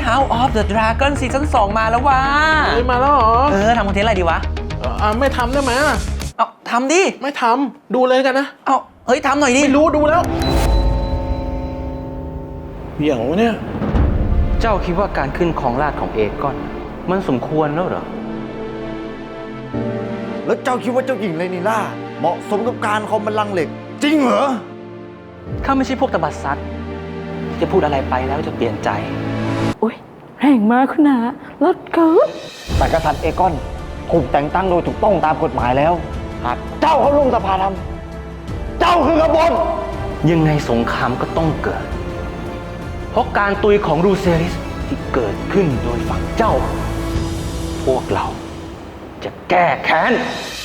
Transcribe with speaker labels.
Speaker 1: House of the Dragon ซีซั่น2มาแล้ววะ
Speaker 2: มาแล้วเหรอ
Speaker 1: ทำคอนเทนต์อะไรดีวะ
Speaker 2: ไม่ทำได้ไหม
Speaker 1: เอาทำดิ
Speaker 2: ไม่ทำดูเลยกันนะ
Speaker 1: เอาเฮ้ยทำหน่อยดิ
Speaker 2: ไม่รู้ดูแล้วอย่างวะเนี่ย
Speaker 1: เจ้าคิดว่าการขึ้นครองราชย์ของเอกอนมันสมควรแล้วเหรอ
Speaker 3: แล้วเจ้าคิดว่าเจ้าหญิงเลนิล่าเหมาะสมกับการครองบัลลังก์เหล็กจริงเหรอ
Speaker 1: ข้าไม่ใช่พวกตบัดซัดจะพูดอะไรไปแล้วจะเปลี่ยนใจ
Speaker 4: อุ้ยแรงมากคุณนะรถเกิด
Speaker 3: แต่กษัตริย์เอกอนถูกแต่งตั้งโดยถูกต้องตามกฎหมายแล้วหากเจ้าเข้าร่วมสภาธรรมเจ้าคือกบฏ
Speaker 1: ยังไงสงครามก็ต้องเกิดเพราะการตุยของรูเซริสที่เกิดขึ้นโดยฝั่งเจ้าพวกเราจะแก้แค้น